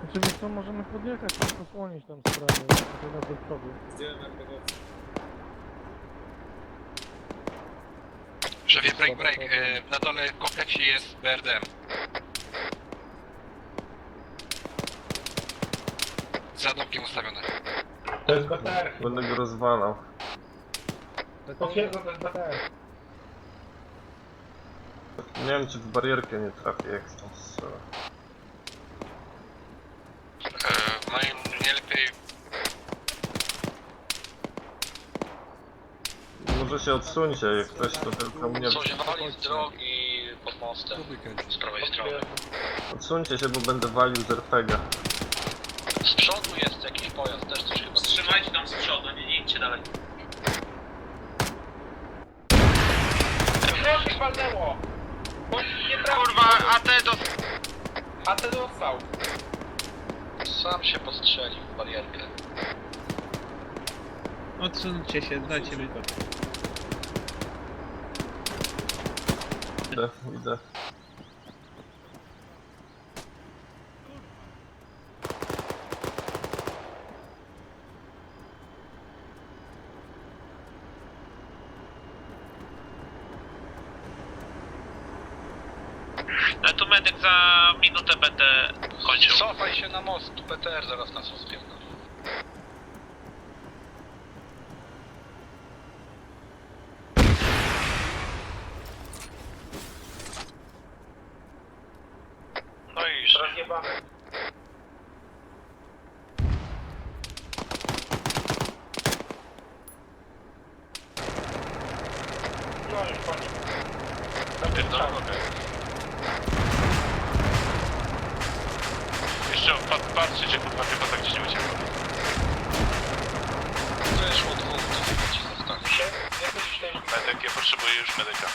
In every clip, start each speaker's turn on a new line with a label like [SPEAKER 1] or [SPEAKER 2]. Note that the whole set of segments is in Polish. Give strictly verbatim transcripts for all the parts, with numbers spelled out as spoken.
[SPEAKER 1] Znaczy co, możemy podjechać i posłonić tam sprawę, to do przodu.
[SPEAKER 2] Szefie, break, break. E, na dole w kompleksie jest B R D M. Za domkiem ustawione.
[SPEAKER 3] To jest B T R.
[SPEAKER 4] Będę go rozwalał.
[SPEAKER 3] Potwierdzam, to jest B T R.
[SPEAKER 4] Nie wiem, czy w barierkę nie trafię, jak tam strzela.
[SPEAKER 2] E, moim nie lepiej...
[SPEAKER 4] Może się odsuńcie, jak ktoś to tylko mnie...
[SPEAKER 2] Coś wali z drogi pod mostem. Z prawej strony.
[SPEAKER 4] Odsuńcie się, bo będę walił z R P G.
[SPEAKER 2] Z przodu jest jakiś pojazd, też coś chyba...
[SPEAKER 5] Trzymajcie tam z przodu, nie, nie idźcie dalej.
[SPEAKER 3] Proszę, walnęło! Nie trafił.
[SPEAKER 2] Kurwa, A T do...
[SPEAKER 3] A ten dostał.
[SPEAKER 2] Sam się postrzelił w barierkę.
[SPEAKER 6] Odsuńcie się, dajcie mi to.
[SPEAKER 4] Idę, idę.
[SPEAKER 5] Ja tu medyk za minutę będę kończył.
[SPEAKER 2] Cofaj się na most, P T R zaraz nas rozpierdol. No i już.
[SPEAKER 3] Rozjebane. No już koniec.
[SPEAKER 5] Pierdolę. Jeszcze pat, patrzcie, kurwa, chyba tak gdzieś nie uciekło.
[SPEAKER 2] Wyszło dwóch, to ci zostanie.
[SPEAKER 3] Się? Jakoś źle.
[SPEAKER 5] Medyk, ja potrzebuję już medyka.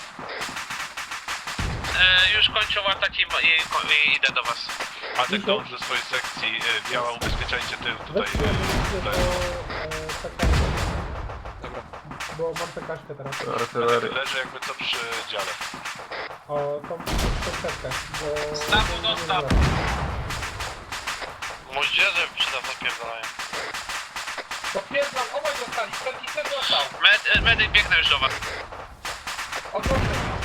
[SPEAKER 5] E, już kończą atak i, i, i idę do was. Medyk dąży do swojej sekcji, e, biała ubezpieczajcie tył tutaj.
[SPEAKER 1] Weźcie, weźcie
[SPEAKER 5] tutaj.
[SPEAKER 1] do P K S. Dobra. Bo mam P K S teraz.
[SPEAKER 4] Artyleria.
[SPEAKER 5] Leży jakby co przy dziale.
[SPEAKER 1] O, tą setkę, bo...
[SPEAKER 5] Stawu, no, stawu.
[SPEAKER 2] Moździerze przy nas napierdalają.
[SPEAKER 3] Potwierdzam, obaj dostali. Przedni ten dostał.
[SPEAKER 5] Med, medyk biegnę już do was.
[SPEAKER 3] Odwrócę.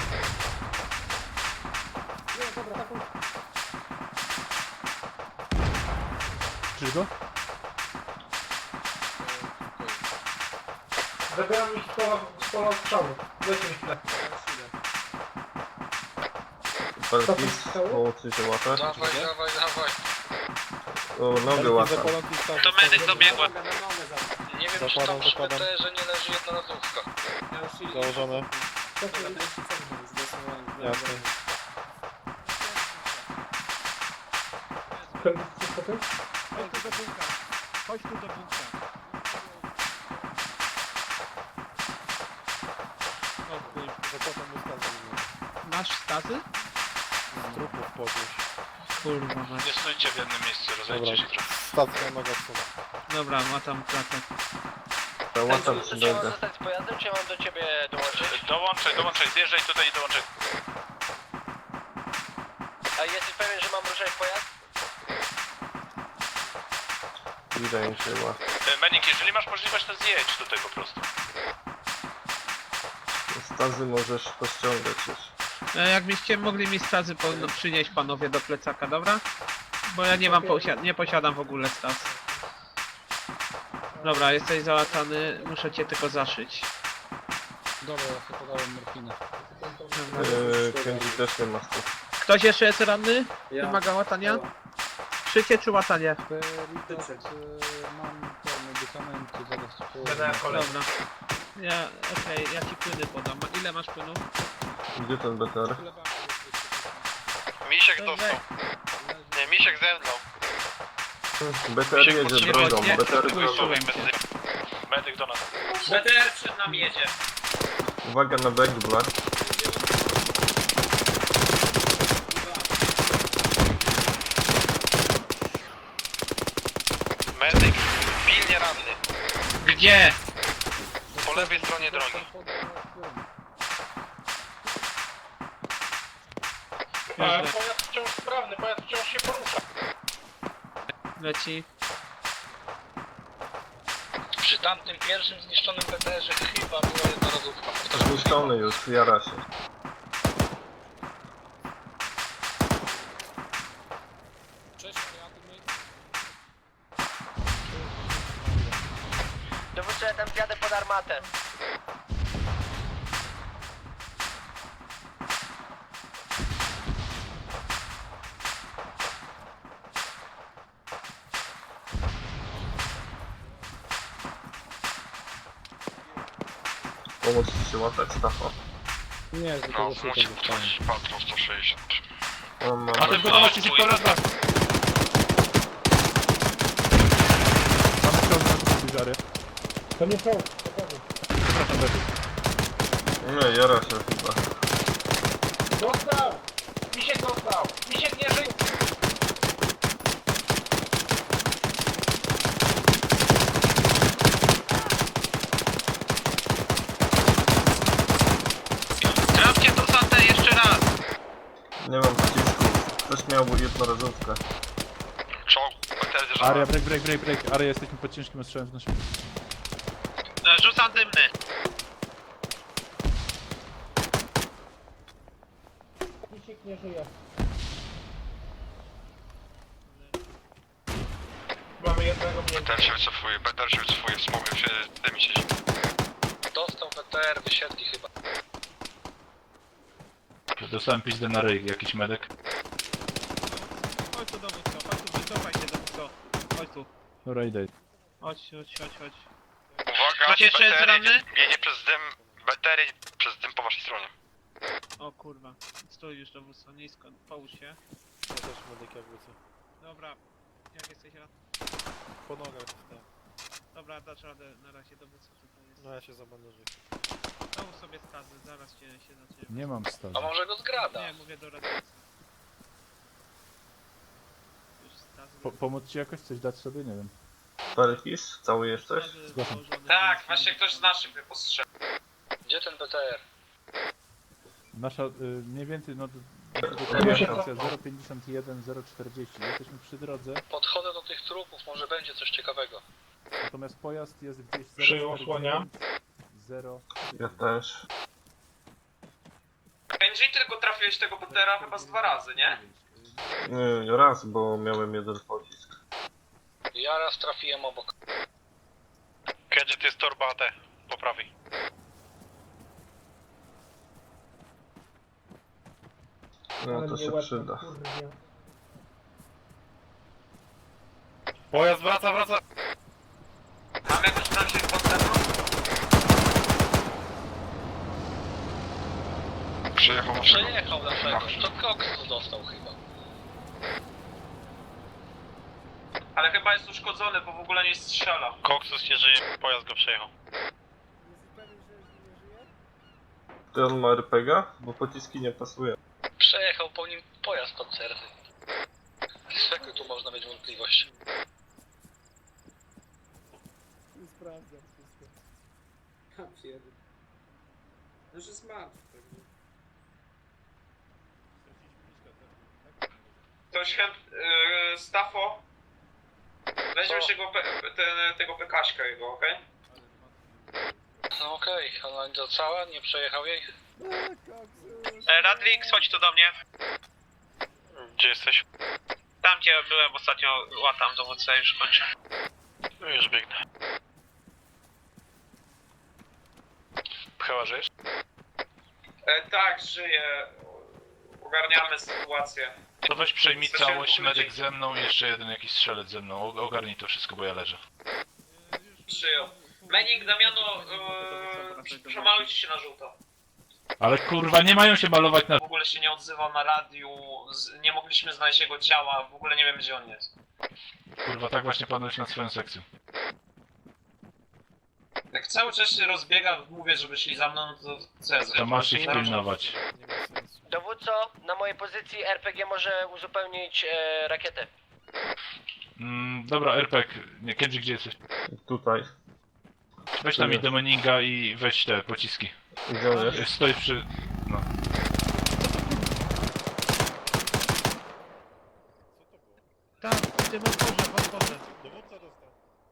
[SPEAKER 1] Nie, dobra, taką... Czyż go?
[SPEAKER 3] Zabieram mi z pola, z pola strzału. Dajcie mi chwilę.
[SPEAKER 4] Parkis, połączy się łapę.
[SPEAKER 2] Dawaj, dawaj, dawaj.
[SPEAKER 4] O, nogę łapę.
[SPEAKER 5] To medyk dobiegła.
[SPEAKER 2] Nie wiem, czy tam przy P T R-ze nie leży jednorazówka.
[SPEAKER 6] Założone. Jasne.
[SPEAKER 1] Chodź tu do bunka. Chodź tu do bunka.
[SPEAKER 6] Masz staty?
[SPEAKER 7] Trupów podnieść.
[SPEAKER 6] Kurwa, mać.
[SPEAKER 5] Nie stójcie w jednym miejscu, rozejdźcie się trochę.
[SPEAKER 7] Stacja magazyn.
[SPEAKER 6] Dobra, ma tam pracę.
[SPEAKER 4] Łatam ci nogę.
[SPEAKER 2] zostać z pojazdem, czy ja mam do ciebie dołączyć?
[SPEAKER 5] Dołączaj, dołączaj, zjeżdżaj tutaj i dołączaj.
[SPEAKER 2] A jesteś pewien, że mam ruszać pojazd?
[SPEAKER 4] Wydaje mi się łapę.
[SPEAKER 5] E, Menik, jeżeli masz możliwość, to zjedź tutaj po prostu.
[SPEAKER 4] Stazy możesz pościągać już.
[SPEAKER 6] E, jakbyście mogli mi stazy po, no, przynieść panowie do plecaka, dobra? Bo ja nie mam, posia nie posiadam w ogóle stas. Dobra, jesteś załatany, muszę cię tylko zaszyć.
[SPEAKER 1] Dobra, ja sobie podałem morfinę.
[SPEAKER 4] Yy, Kenji też nie ma stów.
[SPEAKER 6] Ktoś jeszcze jest ranny? Wymaga łatania? Szycie czy łatanie?
[SPEAKER 1] Mam te medykamenty, zaraz ci
[SPEAKER 3] Będę
[SPEAKER 1] położę.
[SPEAKER 3] na kolei.
[SPEAKER 6] Dobra. Ja, okej, ja ci płyny podam. Ile masz płynów?
[SPEAKER 4] Gdzie ten B T R?
[SPEAKER 2] Misiek
[SPEAKER 6] No
[SPEAKER 2] dostał.
[SPEAKER 6] we-
[SPEAKER 2] Nie, Misiek zemdlał.
[SPEAKER 4] B T R jedzie
[SPEAKER 6] Nie,
[SPEAKER 4] drogą,
[SPEAKER 6] nie,
[SPEAKER 4] B T R
[SPEAKER 6] spójrz,
[SPEAKER 4] drogą.
[SPEAKER 6] medyk.
[SPEAKER 5] Medyk do nas.
[SPEAKER 3] B T R przed nami jedzie.
[SPEAKER 4] Uwaga na back black.
[SPEAKER 2] Medyk pilnie ranny.
[SPEAKER 6] Gdzie?
[SPEAKER 2] Po lewej stronie drogi.
[SPEAKER 3] E, Pojazd wciąż sprawny, pojazd wciąż się porusza.
[SPEAKER 6] Leci.
[SPEAKER 3] Przy tamtym pierwszym zniszczonym P T R-ze chyba była jednorazówka. Powtarzam,
[SPEAKER 4] Zniszczony już, jara się.
[SPEAKER 8] Dowódco, ja tam zjadę pod armatę.
[SPEAKER 4] Pomóc ci się łatać stafa.
[SPEAKER 7] Nie,
[SPEAKER 5] No,
[SPEAKER 7] tylko że
[SPEAKER 5] musi
[SPEAKER 7] się dostanie.
[SPEAKER 5] ktoś patrol sto sześćdziesiąt.
[SPEAKER 4] On ma...
[SPEAKER 5] A ten gotowości się pora raz.
[SPEAKER 7] Mamy ciąg na tu żary.
[SPEAKER 1] To nie są, spokojnie.
[SPEAKER 7] Przepraszam, Becky.
[SPEAKER 4] Nie, jara się chyba.
[SPEAKER 3] Dostał! Misiek dostał! Misiek nie żyje!
[SPEAKER 6] Trafcie to satę jeszcze raz!
[SPEAKER 4] Nie mam pocisków. Ktoś miał jednorazówkę.
[SPEAKER 5] Czołg, P T R
[SPEAKER 7] Aria, break, break, break, break. Aria, jesteśmy pod ciężkim ostrzałem w naszym...
[SPEAKER 6] E, Rzucam dymny.
[SPEAKER 1] Misiek nie żyje.
[SPEAKER 3] Mamy jednego
[SPEAKER 5] P
[SPEAKER 3] mniej.
[SPEAKER 5] T R się wycofuje, P T R się wycofuje, smokiem się dymi się.
[SPEAKER 3] Dostał P T R, wysiedli chyba.
[SPEAKER 9] Dostałem pizdę na ryj, jakiś medek.
[SPEAKER 6] Chodź tu dowódco, chodź tu, wycofaj się dowódco. Chodź tu.
[SPEAKER 7] Dobra, idę.
[SPEAKER 6] Chodź, chodź, chodź, chodź.
[SPEAKER 5] Uwaga,
[SPEAKER 6] Ktoś jeszcze jest
[SPEAKER 5] B T R
[SPEAKER 6] ranny?
[SPEAKER 5] jedzie, jedzie przez dym, B T R jedzie przez dym po waszej stronie.
[SPEAKER 6] O kurwa. Stój już dowódco, nisko, połóż się.
[SPEAKER 7] Ja też medyk jakby co.
[SPEAKER 6] Dobra. Jak jesteś rad?
[SPEAKER 7] Po nogach dostałem.
[SPEAKER 6] Dobra, dasz radę na razie dowódco tutaj jest.
[SPEAKER 7] No ja się zabandażuję.
[SPEAKER 6] Połóż sobie skazy, zaraz cię się zacznie.
[SPEAKER 7] Nie mam stawu.
[SPEAKER 3] A może go zgrada?
[SPEAKER 6] Nie, mówię do radnicy. Już skazy.
[SPEAKER 7] Po, pomóc ci jakoś? Coś dać sobie? Nie wiem.
[SPEAKER 4] Parykis? Cały jesteś?
[SPEAKER 6] skazy
[SPEAKER 7] Zgłaszam.
[SPEAKER 6] położone,
[SPEAKER 2] Tak,
[SPEAKER 6] więc-
[SPEAKER 2] właśnie ktoś z naszych mnie postrzegł.
[SPEAKER 3] Gdzie ten P T R?
[SPEAKER 7] Nasza, y, mniej więcej, no...
[SPEAKER 4] Ja się
[SPEAKER 7] Stacja zero pięćdziesiąt jeden zero czterdzieści. Jesteśmy przy drodze,
[SPEAKER 3] Podchodzę do tych trupów, może będzie coś ciekawego.
[SPEAKER 7] natomiast pojazd jest gdzieś
[SPEAKER 1] Przyjął, osłania.
[SPEAKER 7] zero.
[SPEAKER 4] Ja też.
[SPEAKER 2] Benji, tylko trafiłeś tego P T R-a chyba z dwa razy, nie?
[SPEAKER 4] Nie, raz, bo miałem jeden pocisk.
[SPEAKER 3] Ja raz trafiłem obok.
[SPEAKER 5] Kiedy to jest torba A T, po prawej.
[SPEAKER 4] No
[SPEAKER 1] Ale
[SPEAKER 4] to
[SPEAKER 1] mnie
[SPEAKER 4] się
[SPEAKER 1] łeb
[SPEAKER 4] przyda.
[SPEAKER 1] kurwa.
[SPEAKER 5] Pojazd wraca, wraca!
[SPEAKER 2] Mamy jakąś naszych podstawów?
[SPEAKER 5] Przejechał naszego.
[SPEAKER 3] Przejechał naszego. To Cox dostał chyba.
[SPEAKER 2] Ale chyba jest uszkodzony, bo w ogóle nie strzela.
[SPEAKER 5] Koksus nie żyje, pojazd go przejechał.
[SPEAKER 4] Ty on ma R P G a? Bo pociski nie pasują.
[SPEAKER 3] Przejechał po nim pojazd pancerny. Z jakiej tu można mieć wątpliwość?
[SPEAKER 7] Sprawdzam wszystko.
[SPEAKER 10] Ja pierdolę. No, że smart.
[SPEAKER 2] Ktoś chęt... Yy, Stafo? Weźmy
[SPEAKER 3] Co?
[SPEAKER 2] się go, pe, te, tego pekaśka jego, okej?
[SPEAKER 3] No okej, ona nie cała, nie przejechał jej.
[SPEAKER 6] E, Radwix, chodź tu do mnie.
[SPEAKER 5] Gdzie jesteś?
[SPEAKER 6] Tam gdzie byłem ostatnio, łatam dowódcę, już kończę.
[SPEAKER 5] No już biegnę. Chyba żyjesz?
[SPEAKER 2] E, tak, żyję. Ogarniamy sytuację.
[SPEAKER 9] To weź przejmij
[SPEAKER 2] Chcesz się
[SPEAKER 9] całość,
[SPEAKER 2] powiedzieć?
[SPEAKER 9] medyk ze mną i jeszcze jeden jakiś strzelec ze mną. O- Ogarnij to wszystko, bo ja leżę.
[SPEAKER 2] Przyjął. Menik, Damiano, yy, przemalujcie się na żółto.
[SPEAKER 9] Ale kurwa, nie mają się malować na...
[SPEAKER 2] W ogóle się nie odzywał na radiu, z, nie mogliśmy znaleźć jego ciała, w ogóle nie wiem gdzie on jest.
[SPEAKER 9] Kurwa, tak właśnie panujesz nad swoją sekcją.
[SPEAKER 2] Jak cały czas się rozbiega, mówię, żeby szli za mną, no to co ja
[SPEAKER 9] To masz ich
[SPEAKER 2] Nie mam-
[SPEAKER 9] pilnować.
[SPEAKER 7] Nie ma sensu.
[SPEAKER 8] Dowódco, na mojej pozycji R P G może uzupełnić e, rakietę.
[SPEAKER 9] Mm, dobra, R P G, nie, Kendrick, gdzie jesteś?
[SPEAKER 4] Tutaj.
[SPEAKER 9] Weź tam i demoninga i weź te pociski.
[SPEAKER 4] Gdzie on jest?
[SPEAKER 9] Stoisz przy... no.
[SPEAKER 6] Tak, tym otworze, w otworze.
[SPEAKER 7] Dowódca dostał.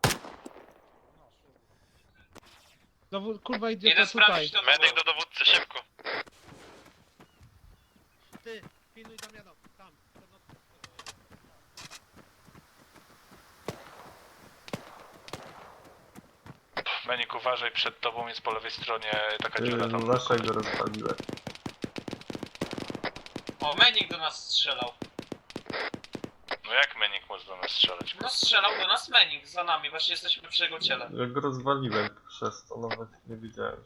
[SPEAKER 6] Dowód, kurwa idiota
[SPEAKER 3] Idę
[SPEAKER 6] tutaj.
[SPEAKER 3] sprawdzić to
[SPEAKER 5] Medyk do dowódcy, szybko.
[SPEAKER 6] Ty, pilnuj Damiano, tam.
[SPEAKER 9] Menik, uważaj, przed tobą jest po lewej stronie taka
[SPEAKER 4] Ty,
[SPEAKER 9] dziura tam.
[SPEAKER 4] waszego rozwaliłem.
[SPEAKER 3] O, Menik do nas strzelał.
[SPEAKER 9] No jak Menik może do nas strzelać?
[SPEAKER 3] No strzelał do nas Menik, za nami, właśnie jesteśmy przy jego ciele.
[SPEAKER 4] Ja go rozwaliłem przez to, nawet nie widziałem.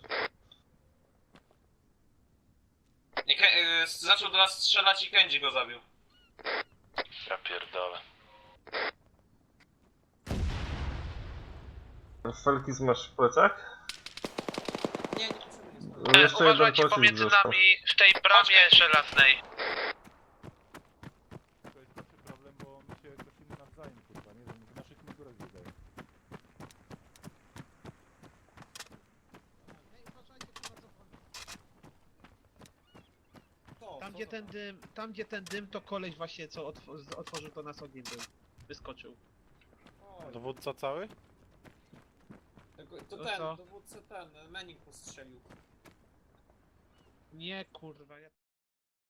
[SPEAKER 3] I Ke y zaczął do nas strzelać i Kenji go zabił.
[SPEAKER 9] Ja pierdolę.
[SPEAKER 4] Felkis masz w plecach?
[SPEAKER 10] Nie, nie potrzebuję.
[SPEAKER 4] No, jeszcze jeden
[SPEAKER 6] Uważajcie
[SPEAKER 4] pocisk
[SPEAKER 6] pomiędzy
[SPEAKER 4] został.
[SPEAKER 6] nami w tej bramie żelaznej.
[SPEAKER 7] To jest taki problem, bo my się kosimy nawzajem, kurwa, nie wiem, w naszych mundurach biegają.
[SPEAKER 10] To,
[SPEAKER 6] Tam
[SPEAKER 10] to,
[SPEAKER 6] gdzie
[SPEAKER 10] to,
[SPEAKER 6] ten dym, tam gdzie ten dym to koleś właśnie co otw otworzył to nas ogniem był. Wyskoczył.
[SPEAKER 10] Oj,
[SPEAKER 7] Dowódca cały?
[SPEAKER 10] to, to
[SPEAKER 6] No
[SPEAKER 10] ten,
[SPEAKER 6] co?
[SPEAKER 10] dowódca ten, Menik postrzelił.
[SPEAKER 6] Nie kurwa, ja...